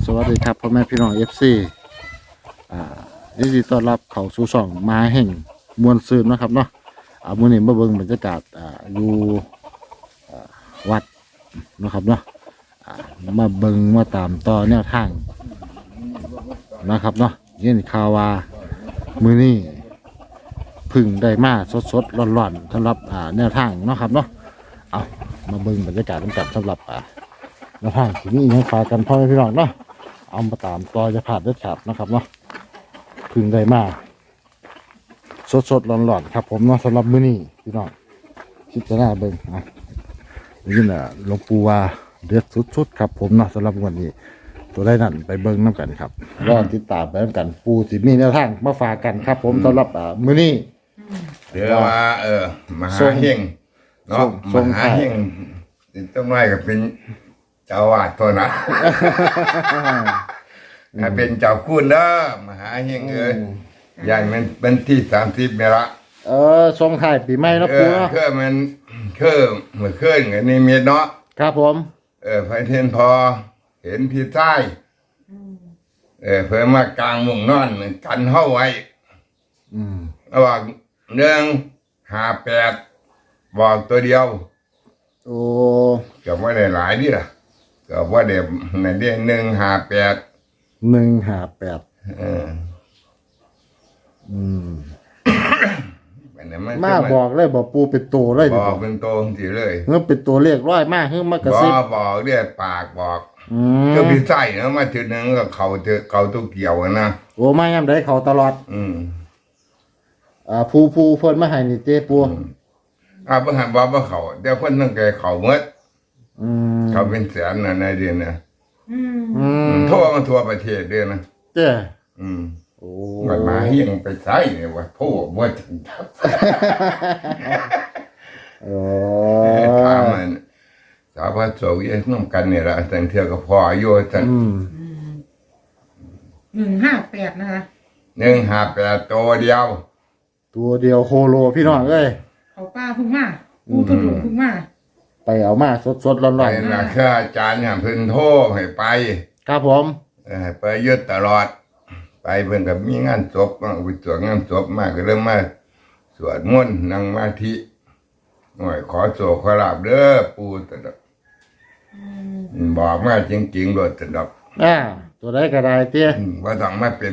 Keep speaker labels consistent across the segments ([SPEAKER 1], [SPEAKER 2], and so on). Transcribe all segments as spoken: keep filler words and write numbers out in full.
[SPEAKER 1] สวัสดีครับพ่อแม่พี่น้องเอฟซีอ่ายินดีต้อนรับเข้าสู่ช่องมาแห่งมวลซืนนะครับเนาะอ่ามื้อนี้มาเบิ่งบรรยากาศอ่าอยู่อ่าวัดนะครับเนาะอ่ามาเบิ่งมาตามต่อแนวทางนะครับเนาะยินข่าวว่ามื้อนี้พึ่งได้มาสดๆร้อนๆสำหรับอ่าแนวทางเนาะครับเนาะเอามาเบิ่งบรรยากาศกันสำหรับอ่าแนวทางที่นี่ยังฝากกันพ่อแม่พี่น้องเนาะเอามาตามต่อจะผ่านเด็ดขาดนะครับเนาะพึ่งได้มาสดสดร้อนร้อนๆครับผมเนาะสำหรับมื้อนี้พี่น้องคิดจะน่าเบิ่งอ่ะนี่น่ะหลวงปู่ว่าเดือดสุดๆครับผมเนาะสำหรับวันนี้ตัวได้นั่นไปเบิ่งน้ำกันครับรอติดตามไปน้ำกันปูสิมีแนวทางมาฝากกันครับผมสำหรับอ่ามื้อนี้
[SPEAKER 2] เดี๋ยวว่าเออมหาเฮงเนาะมหาเฮงต้องน้อยก็เป็นเจ้าวาดตัวนะเป็นเจ้าคุณเด้อมหาเฮงเอ้ยใหญ่มันเป็นที่สามสิบเมละ
[SPEAKER 1] เออทรงถ่ายปีใหม่เนาะ
[SPEAKER 2] เอ
[SPEAKER 1] ปู
[SPEAKER 2] อ
[SPEAKER 1] เนาะ
[SPEAKER 2] คือมันคือเมื่อคืนกับนี่เมียเนาะ
[SPEAKER 1] ครับผม
[SPEAKER 2] เออพระเทนพอเห็นพี่ใต้เออเพิ่มมากลางมุงนอนกันเข้าไว้
[SPEAKER 1] อืม
[SPEAKER 2] ระหว่างเรื่องห้าแปดบอกตัวเดียว
[SPEAKER 1] โอ้
[SPEAKER 2] เกือบว่าได้หลายดิล่ะเกือบว่าเด็ในเดือนหนึ่งห้าแปด
[SPEAKER 1] หนึ่งห้าแปด
[SPEAKER 2] เออ
[SPEAKER 1] อืม
[SPEAKER 2] เป็นไงมัน
[SPEAKER 1] มาบอกเลยบอกปูเป็นตัวเลย
[SPEAKER 2] บ
[SPEAKER 1] ดิ
[SPEAKER 2] อกเป็นโตสิเลย
[SPEAKER 1] เงื่อเป็นตัวเลขร้อยมากเงื่อมากระ
[SPEAKER 2] บอ
[SPEAKER 1] ซิบ
[SPEAKER 2] กบอกเรียกปากบอก
[SPEAKER 1] อืม
[SPEAKER 2] ก็พี่ใส่นะมาถึงนึงก็เขาเจอเขาตุกเกี่ยวกันนะ
[SPEAKER 1] โอ้มาย่ำได้เขาตลอด
[SPEAKER 2] อืม
[SPEAKER 1] อ่าผู้ผู้เพิ่นมาให้นี่เต้ปู
[SPEAKER 2] อ่าเพิ่งหันบอกว่าเขาเดี๋ยวคนตั้งใจเขาเมื่อ
[SPEAKER 1] อืม
[SPEAKER 2] เขาเป็นแสนนะในเดือนนะ
[SPEAKER 1] อืม
[SPEAKER 2] ทั่วมันทั่วประเทศเดือนนะ
[SPEAKER 1] เจ้
[SPEAKER 2] อืม
[SPEAKER 1] โอ้
[SPEAKER 2] มันมาเฮียงไปใส่เนี่ยว่าพูดว่าถึงทับ
[SPEAKER 1] โอ้
[SPEAKER 2] ถามมันสาวพระโสกยังน้ำกันเนี่ยละแต่งเที่ยวกับพ่ออายุสัน
[SPEAKER 1] อืม
[SPEAKER 3] หนึ่งห้าแปดนะคะ
[SPEAKER 2] หนึ่งหาแปดตัวเดียว
[SPEAKER 1] ตัวเดียวโคโลพี่น้องเอ้ย
[SPEAKER 3] เขาป้าเพึ่งมาปูกระดูกเพึ่งมา
[SPEAKER 1] ไปเอามาสดสดๆร้อน
[SPEAKER 2] ไป
[SPEAKER 1] ร้อน
[SPEAKER 2] นะแค่อาจารย์เนี่ยเพิ่นโทรให้ไป
[SPEAKER 1] ครับผม
[SPEAKER 2] เออให้ไปยึดตลอด ไปเพิ่นกับมีงานศพมาไปตรวจงานศพมากก็เริ่มมาสวดมนต์นั่งสมาธิหน่อยขอโศกขอลาบเด้อปู่ตะดอกบอกมาจริงๆโดยตะดอก
[SPEAKER 1] อ่าตัวได้กระไดเตี้ย
[SPEAKER 2] อืมว่าต้องมาเป็น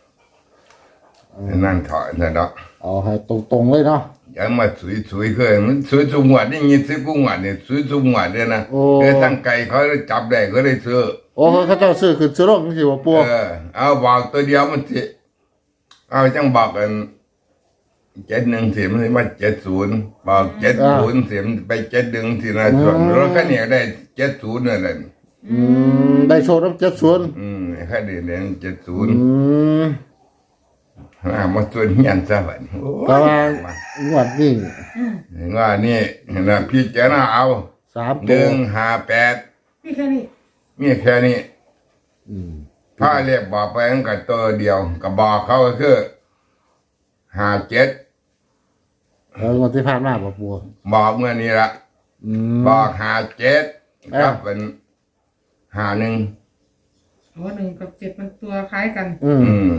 [SPEAKER 2] นั่นถอยตะดอก
[SPEAKER 1] เอาให้ตรงๆเลยเนาะ
[SPEAKER 2] อย่ามาสวยสวยๆเคยมันสวยสุงหวัดนี่ยี่สิบกุงหวัดเนี่ยสวยสุงหวัดเนี่ยนะ
[SPEAKER 1] โอ้
[SPEAKER 2] เออตั้งไก่เขาได้จับได้เขาได้ซื้อ
[SPEAKER 1] โอ้เขาเจ้าซื้อขึ้นซื้อลงสิว่าปู
[SPEAKER 2] เออเอาบอกตัวเดียวมันสิเอาจังบอกกันเจ็ดหนึ่งสิมันมาเจ็ดศูนย์บอกเจ็ดศูนย์สิมันไปเจ็ดหนึ่งสินะส่วนรถคันนี้ได้เจ็ดศูนย์นั่นแหละ
[SPEAKER 1] อืมได้โชว์น้ำเจ็ดส่วน
[SPEAKER 2] อืมแค่เดือนเจ็ดศู
[SPEAKER 1] อื
[SPEAKER 2] นย์
[SPEAKER 1] ม
[SPEAKER 2] อ่ามาส่วนเฮียนซะบัดนี้โอ้ย
[SPEAKER 1] แต่ว่างวดนี้
[SPEAKER 2] ว่านี่นะพี่เจ้าหน้าเอา
[SPEAKER 1] สาม
[SPEAKER 2] ห
[SPEAKER 1] ตัว
[SPEAKER 2] นึ่งห้าแปด
[SPEAKER 3] นี่แค่นี้
[SPEAKER 2] มีแค่นี้
[SPEAKER 1] อืม
[SPEAKER 2] ถ้าเรียกบอกไปตั้งแต่ตัวเดียวก็บอกเขาก็คือห้าเจ็ด
[SPEAKER 1] แล้วงวดที่ผ่านมาบ่ปู
[SPEAKER 2] บอกเมื่อนี้ละ
[SPEAKER 1] อืม
[SPEAKER 2] บอกห้าเจ็ด
[SPEAKER 1] เอ้า
[SPEAKER 2] กับเป็นห้าหนึ่ง
[SPEAKER 3] หัวหนึ่งกับเจ็ดมันตัวคล้ายกัน
[SPEAKER 1] อืม
[SPEAKER 2] อืม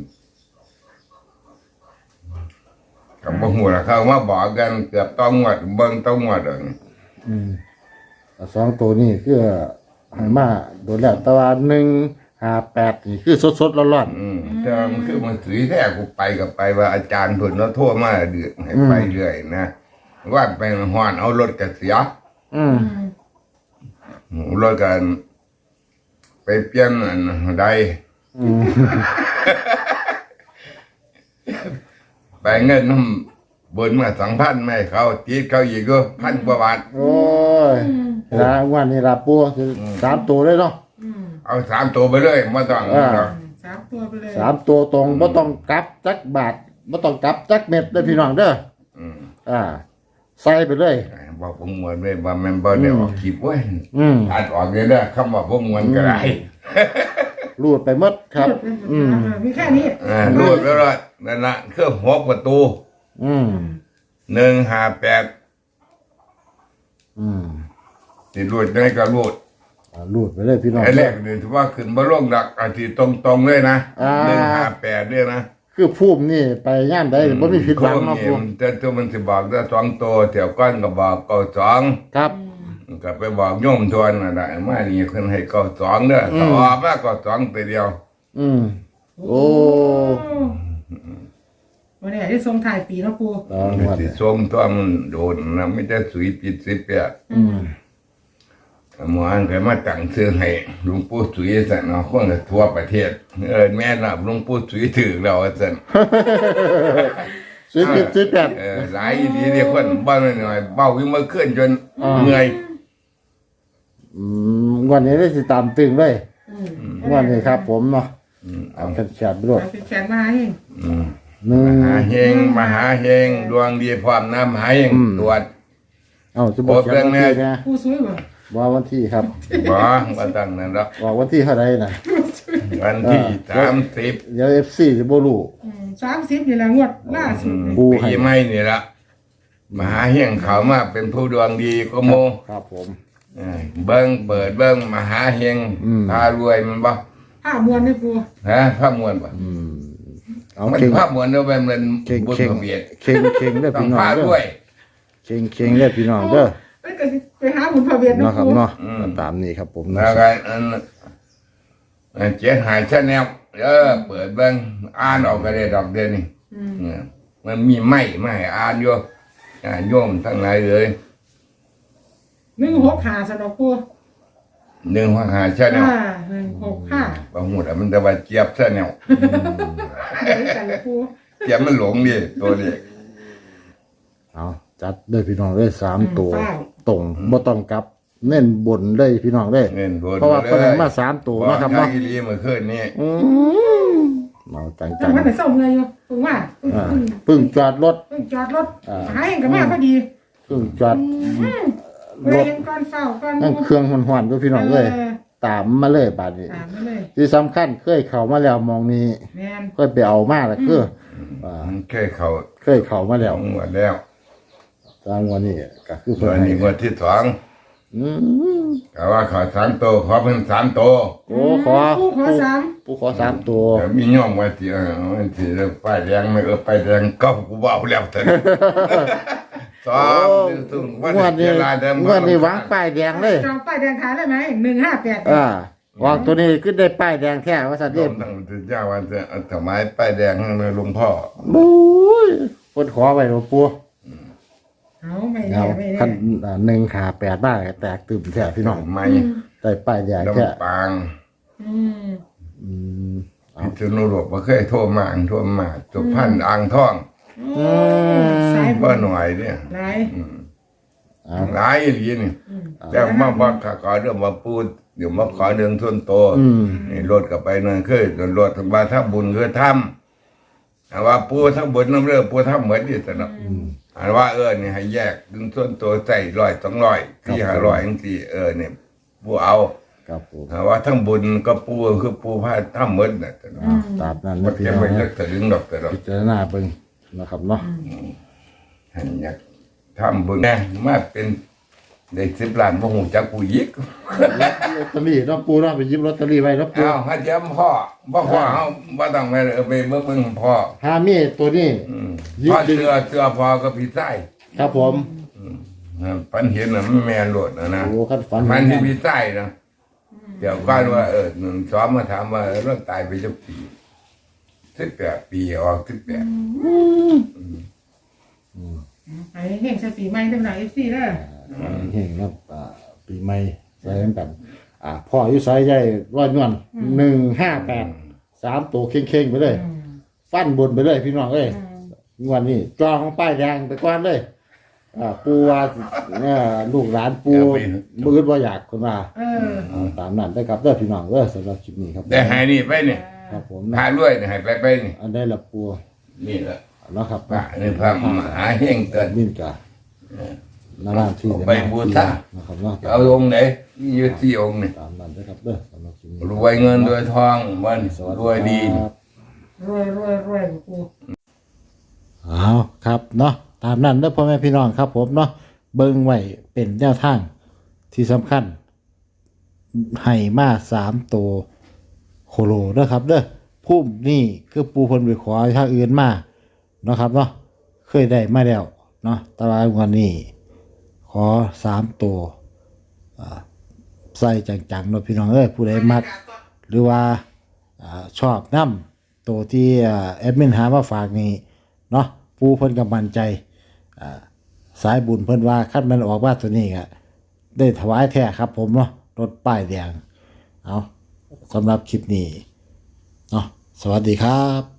[SPEAKER 2] กับบ่หัวละเขามาบอกกันเกือบต้องงวดเบิ่งต้องงวดเลย
[SPEAKER 1] อืมสองตัวนี้คือให้มาโดนแล้วแต่ว่าหนึ่งห้าแปดนี่คือสดสดๆร้อน
[SPEAKER 2] อืมแต่มันคือมันสุยแท้กูไปกับไปว่าอาจารย์เพิ่นเราโทรมาเดือดให้ไปเรื่อยนะว่าไปฮ้อนเอารถก็เสีย
[SPEAKER 1] ๆอืม
[SPEAKER 2] รถกันไปเปลี่ยนอันใด
[SPEAKER 1] อืม
[SPEAKER 2] ไปเงินน้ำบนมาสองพันไม่เขาตีเขาอีกก็พันกว่าบาท
[SPEAKER 1] โอ้ยนะวันนี้ลาปูคือสามตัวเลยเนาะ
[SPEAKER 3] อืม
[SPEAKER 2] เอาสามตัวไปเลยไม่ต้อง
[SPEAKER 1] อ่า
[SPEAKER 2] หรอก
[SPEAKER 3] สามตัวไปเลย
[SPEAKER 1] สามตัวตรงบ่ต้องกลับจักบาทบ่ต้องกลับจักเม็ดเด้อพี่น้องเด้อ
[SPEAKER 2] อืม
[SPEAKER 1] อ่า ใส่ไปเลย
[SPEAKER 2] บอกผมมวนเลยว่าแมันบ่ได้ออกคลิปเว้ย
[SPEAKER 1] อืม
[SPEAKER 2] อัดออกเลยนะคำว่าผมมวนก็ได้
[SPEAKER 1] รูดไปหมดครับ อืม
[SPEAKER 3] มีแค่นี้
[SPEAKER 2] อ่ารูดแล้วล่ะนั่นละเครื่องหัวประตู
[SPEAKER 1] อืม
[SPEAKER 2] หนึ่งห้าแปด
[SPEAKER 1] อืม
[SPEAKER 2] ติดรูดได้ก็รูด
[SPEAKER 1] อ่ารูดไปเลยพี่น้อง
[SPEAKER 2] ไอ้แรกเนี่ยถือว่าขึ้นบ่ลงดักอาทิตย์ตรงๆเลยนะ
[SPEAKER 1] อ่า
[SPEAKER 2] หนึ่งห้าแปดเนี่ยนะ
[SPEAKER 1] คือภูมินี่ไปย่านใดบ่มีผิดหวังเนาะ
[SPEAKER 2] โค้
[SPEAKER 1] ปู
[SPEAKER 2] งนี่แต่ตัวมันสิบอกได้สองตัวแถวก้อนก็บอกเก้าสอง
[SPEAKER 1] ครับ
[SPEAKER 2] ก็ไปบอกโยมทวนน่ะได้มานี่เพิ่นให้เก้าสองเด้อก็ออกมาเก้าสองตัวเดียว
[SPEAKER 1] อืมโอ้
[SPEAKER 3] วันนี้ที่ทรงถ่ายปีเนาะปู
[SPEAKER 1] ตองวัด
[SPEAKER 2] สิส่งตัวมันโดนนะไม่ได้สุยปิดสิบแปด
[SPEAKER 1] อืม
[SPEAKER 2] หมออันก็มาตั้งชื่อให้หลวงปู่สุยสั่นเนาะคนก็ทั่วประเทศเออแม่น่ะหลวงปู่สุยถือเราสั่น
[SPEAKER 1] สิบเจ็ดสิบแปด
[SPEAKER 2] เออหลายอีหลีเดียวคนบ้านหน่อยเบ้าวิ่งมาขึ้นจน
[SPEAKER 1] อ่า
[SPEAKER 2] เหนื่อย
[SPEAKER 1] อืมวันนี้ได้สิตามตึงเลย
[SPEAKER 3] อืม
[SPEAKER 1] วันนี้ครับ ผมเนาะ
[SPEAKER 2] อืม
[SPEAKER 1] เอาแขนแขนไปรวด
[SPEAKER 3] เอาไปแขนมาให้
[SPEAKER 2] อืม
[SPEAKER 1] หนึ่ง
[SPEAKER 2] มหาเฮงมหาเฮงดวงดีพร้อมน้ำมหาเฮง
[SPEAKER 1] อืม
[SPEAKER 2] ตรวจ
[SPEAKER 1] เอาจะบอก
[SPEAKER 2] โอ้
[SPEAKER 1] เขียนวัน
[SPEAKER 2] เรื่อง
[SPEAKER 1] ที่
[SPEAKER 2] แน่
[SPEAKER 1] นะ
[SPEAKER 3] ปูสวยบ่
[SPEAKER 1] ว่าวันที่ครับ
[SPEAKER 2] บ่ว่าตั้งนั่นละ
[SPEAKER 1] บอกวันที่เท่าไรนะ
[SPEAKER 2] วันที่สามสิบ
[SPEAKER 1] เดี๋ยวเอฟซีจะบ่รู้
[SPEAKER 3] สามสิบนี่แหละงวดล่าสุดนี่
[SPEAKER 1] ปูให้
[SPEAKER 2] ปีใหม่นี่ละมหาเฮงเขามาเป็นผู้ดวงดีก็โม
[SPEAKER 1] ครับผม
[SPEAKER 2] เออเบิ้งเปิดเบิ้งมหาเฮง
[SPEAKER 1] อืม
[SPEAKER 2] พารวยมันบ่
[SPEAKER 3] ผ้ามวนนี่ปู
[SPEAKER 2] ฮะภาพมวลบ่
[SPEAKER 1] อืมเอา
[SPEAKER 2] มัน
[SPEAKER 1] เข่ง
[SPEAKER 2] ภาพมวลเด้อเป็นมัน
[SPEAKER 1] เข่ง
[SPEAKER 2] บุญ
[SPEAKER 1] เข่ง
[SPEAKER 2] เบียด
[SPEAKER 1] เข่งเข่งเด้อ
[SPEAKER 2] ต้อง
[SPEAKER 1] พี่น้อง
[SPEAKER 2] พา
[SPEAKER 1] เด้
[SPEAKER 2] ด้
[SPEAKER 1] อ
[SPEAKER 2] วย
[SPEAKER 1] เข่งเข่งเด้อพี่น้องเด้อ
[SPEAKER 3] เอ้ยก็สิไปหาบุญพระเวียน
[SPEAKER 1] เนาะ
[SPEAKER 3] เนาะ
[SPEAKER 1] ครับ
[SPEAKER 3] ปู
[SPEAKER 1] เนาะ
[SPEAKER 2] อืม
[SPEAKER 1] ตามนี้ครับผม
[SPEAKER 2] แล้
[SPEAKER 1] นะ
[SPEAKER 2] วก็อันอันเจ็ดหายชาแนลเออเปิดเบิ้งอ่านออกก็ได้ดอกเดียวนี่
[SPEAKER 3] อืม
[SPEAKER 2] เนี่ยมันมีไม้ไม่ให้อ่านอยู่อ่าโยมทั้งหลายเลย
[SPEAKER 3] หนึ่งหกห้าสะดอกปู
[SPEAKER 2] หนึ่งหัวหาชาแนล
[SPEAKER 3] อ่าหนึ่งหกห้า
[SPEAKER 2] บางหมดมันจะว่าเจี๊ยบชาแนล
[SPEAKER 3] เดี๋ยวกันเลยปู
[SPEAKER 2] เจี๊ยบมันหลงดิตัวเด็ก
[SPEAKER 1] เอาจัดเด้อพี่น้องเด้อสามตัว
[SPEAKER 3] เฝ้า
[SPEAKER 1] ตรงบ่ต้องกลับ เน้นบนเลยพี่น้องเด้อ
[SPEAKER 2] เงินโดน
[SPEAKER 1] เพราะว่า
[SPEAKER 2] ลย
[SPEAKER 1] เพิ่นให้มาสามตัว
[SPEAKER 2] บอก
[SPEAKER 1] นะครับ
[SPEAKER 2] ยา
[SPEAKER 1] เนาะ
[SPEAKER 2] อีหลีเมื่อคืนนี้
[SPEAKER 1] อืมเอาจัง
[SPEAKER 3] จังมันไหนส่งเลยอยู่ปูว่าเพิ่ง
[SPEAKER 1] ๆอ่า
[SPEAKER 3] เพิ่ง
[SPEAKER 1] เพิ่งจอดรถ
[SPEAKER 3] เพิ่งจอดรถ
[SPEAKER 1] อ่า
[SPEAKER 3] หาเองกับมาพอดี
[SPEAKER 1] เพิ่งจอด
[SPEAKER 3] เว
[SPEAKER 1] ร
[SPEAKER 3] ลา
[SPEAKER 1] ถ
[SPEAKER 3] เองก่อนเฝ้าก่อน
[SPEAKER 1] นั่งเครื่องหอนๆด้วยพี่น้องเลย
[SPEAKER 3] เออ
[SPEAKER 1] ตามมาเลยบาดนี้
[SPEAKER 3] ตามมาเลย
[SPEAKER 1] ที่สำคัญเคยเข้ามาแล้วมองนี้
[SPEAKER 3] แม่น
[SPEAKER 1] เคยไปเอามาแล้วคืออ่า
[SPEAKER 2] มันเคยเขา
[SPEAKER 1] เคยเข้ามาแล้ว
[SPEAKER 2] หมดแล้ว
[SPEAKER 1] ตามวันนี้ก็คือ
[SPEAKER 2] ตั
[SPEAKER 1] เพิ่
[SPEAKER 2] วน
[SPEAKER 1] ให้
[SPEAKER 2] นี้งวดที่สอง
[SPEAKER 1] อืม
[SPEAKER 2] แต่ว่าขอสามโตวขอเพิ่นสามโตว
[SPEAKER 1] โอ้ขอ
[SPEAKER 3] ปูขอสาม
[SPEAKER 1] ปูขอสามตัว
[SPEAKER 2] แต่มีย่อมว่าที่เออมันที่เรื่องป้ายแดงไม่เออป้ายแดงก็กูบอกแล้วเถอะสองตึ้งวัน
[SPEAKER 1] งวด
[SPEAKER 2] นี้
[SPEAKER 1] นี้
[SPEAKER 2] เวลาเดิม
[SPEAKER 1] งวดนี้วางป้ายแดงเลย
[SPEAKER 3] จองป้ายแดงขายได้ไหมหนึ่งห้าแปด
[SPEAKER 1] อ่าวางตัวนี้ขึ้นได้ป้ายแดงแท้ว่าสัตว์
[SPEAKER 2] ร่
[SPEAKER 1] เด็
[SPEAKER 2] วมทั้งที่เจ้าวันจะเอาถวายป้ายแดงให้หลวงพ่อ
[SPEAKER 1] บู๊ยคนขอไปหลวงปู่
[SPEAKER 3] เอาไม่
[SPEAKER 1] เอา
[SPEAKER 3] แน่ไม่แน่
[SPEAKER 1] ขั้นอ่าหนึ่งขาแปดได้แตกตื่มแท้พี่น้อง
[SPEAKER 2] ไม่
[SPEAKER 1] ได้ป้ายแดงแท้
[SPEAKER 2] ลำปาง
[SPEAKER 3] อืม
[SPEAKER 1] อืม
[SPEAKER 2] พิษณุโลกบ่เคยโทรมาโทรมาสุพรรณอ่างทอง
[SPEAKER 3] โอ้สายบุ
[SPEAKER 2] บ่
[SPEAKER 3] ญ
[SPEAKER 2] หน่อยเนี่ย
[SPEAKER 3] หลาย
[SPEAKER 1] เอา
[SPEAKER 2] หลายอีหลีนี่
[SPEAKER 3] อืม
[SPEAKER 2] แต่มาบอกขอเรื่องมาพูดเดี๋ยวมาขอเรื่องส่วนตัว
[SPEAKER 1] อืม
[SPEAKER 2] นี่รถก็ไปนั่นคือรถบาถ้าบุญคือทำแต่ว่าปูทั้งบุญน้ำเรื่องปูทำเหมือนนี่แต่เนาะอันว่าเออนี่ให้แยกดึงส่วนตัวใส่ร้อยสองร้อยที่ห้าร้อยจังซี่เออเนี่ยปูเอา
[SPEAKER 1] ครับผม
[SPEAKER 2] แต่ว่าทั้งบุญก็ปูคือปูพาทำเหมือนน่ะแต่เนาะ
[SPEAKER 1] ตามนั้น
[SPEAKER 2] มั
[SPEAKER 1] นะ
[SPEAKER 2] น
[SPEAKER 1] พี่
[SPEAKER 2] จะ
[SPEAKER 1] น้อง
[SPEAKER 2] ไม่
[SPEAKER 1] นะ
[SPEAKER 2] เลิกแต่ดึงดอกแต่ดอก
[SPEAKER 1] พิจารณาเบิ่งนะครับเนาะ
[SPEAKER 2] ให้อยากทำบุญแน่มาเป็นได้สิบล้านบ่ฮู้จักกูยิก
[SPEAKER 1] ลอตเตอรี่เนาะปูเนาะไปหยิบลอตเตอรี่ไว้เนาะปู
[SPEAKER 2] อ้าวฮัดเยี่ยมพ่อบ่พ่อเฮาบ่ต้องไปเออไปเบิ่งเบิ่งพ่อ
[SPEAKER 1] ฮามีตัวนี้
[SPEAKER 2] อืม
[SPEAKER 1] ยิก
[SPEAKER 2] พ่อ
[SPEAKER 1] ดึง
[SPEAKER 2] เสือเสือพ่อก็พี่ใต้
[SPEAKER 1] ครับผม
[SPEAKER 2] อ่าปันเห็นน่ะมันแม่นโลดนะนะ
[SPEAKER 1] โอ้ขั้นฝัน
[SPEAKER 2] มันที่พี่ใต้นะเดี๋ยวก่อนว่าเออหนึ่งสองมาถามว่าเรื่องตายไปจักปีสิบแปดปีออกสิบแปด
[SPEAKER 3] ไอ้เฮงใส่ปีใหม่ตั้งหลายเอฟซีเด้อ
[SPEAKER 1] เฮงครับอ่าปีใหม่ใส่กัน อ่าพ่ออายุสายใหญ่ร้อยนวลหนึ่งห้าแปดสามตัวเข่งๆไปเลย
[SPEAKER 3] อืม
[SPEAKER 1] ฟันบนไปเลยพี่น้องเอ้ยงวดนี้จองของป้ายแดงไปก่อนเลยอ่าปูว่าเนี่ยลูกหลานปูมืดว่าอยากคนว่า
[SPEAKER 3] เออ
[SPEAKER 1] เอาตามนั้นได้ครับเด้อพี่น้องเด้อสำหรับคลิปนี้ครับ
[SPEAKER 2] ได้หายนี่ไปเนี่ย
[SPEAKER 1] ครับผม
[SPEAKER 2] หา
[SPEAKER 1] นะ
[SPEAKER 2] ด้วยเนี่ยหายไปไปนี่
[SPEAKER 1] อันได้ละปู
[SPEAKER 2] นี่แหละ
[SPEAKER 1] แล้วครับ
[SPEAKER 2] พระนี่พระมหาเฮงเกิด
[SPEAKER 1] มินกานาราที่
[SPEAKER 2] ไปบูชา
[SPEAKER 1] นะครับเนาะ
[SPEAKER 2] เอาองค์ไหนมีอยู่ที่องค์นี่
[SPEAKER 1] ตามนั้นได้ครับเด้อสำหรับคลิปนี้
[SPEAKER 2] รวยเงินรวยทองมัน
[SPEAKER 1] สวัส
[SPEAKER 2] รวยดี
[SPEAKER 1] ครับ
[SPEAKER 3] รวยรวยรวยกู
[SPEAKER 1] เอาครับเนาะตามนั้นเด้อพ่อแม่พี่น้องครับผมเนาะเบิ่งไว้เป็นแนวทางที่สำคัญให้มาสามตัวโคโลเด้อครับเด้อพุ่มนี่คือปูเพิ่นไปขอทางอื่นมาเนาะครับเนาะเคยได้มาแล้วเนาะแต่ว่างวดนี้ขอสามตัวอ่าใส่จังๆเนาะพี่น้องเอ้ยผู้ใดมักหรือว่าอ่าชอบนำตัวที่อ่าแอดมินหามาฝากนี่เนาะปูเพิ่นก็มั่นใจอ่าสายบุญเพิ่นว่าคันมันออกมาตัวนี้ก็ได้ถวายแท้ครับผมเนาะรถป้ายแดงเอาสำหรับคลิปนี้เนาะสวัสดีครับ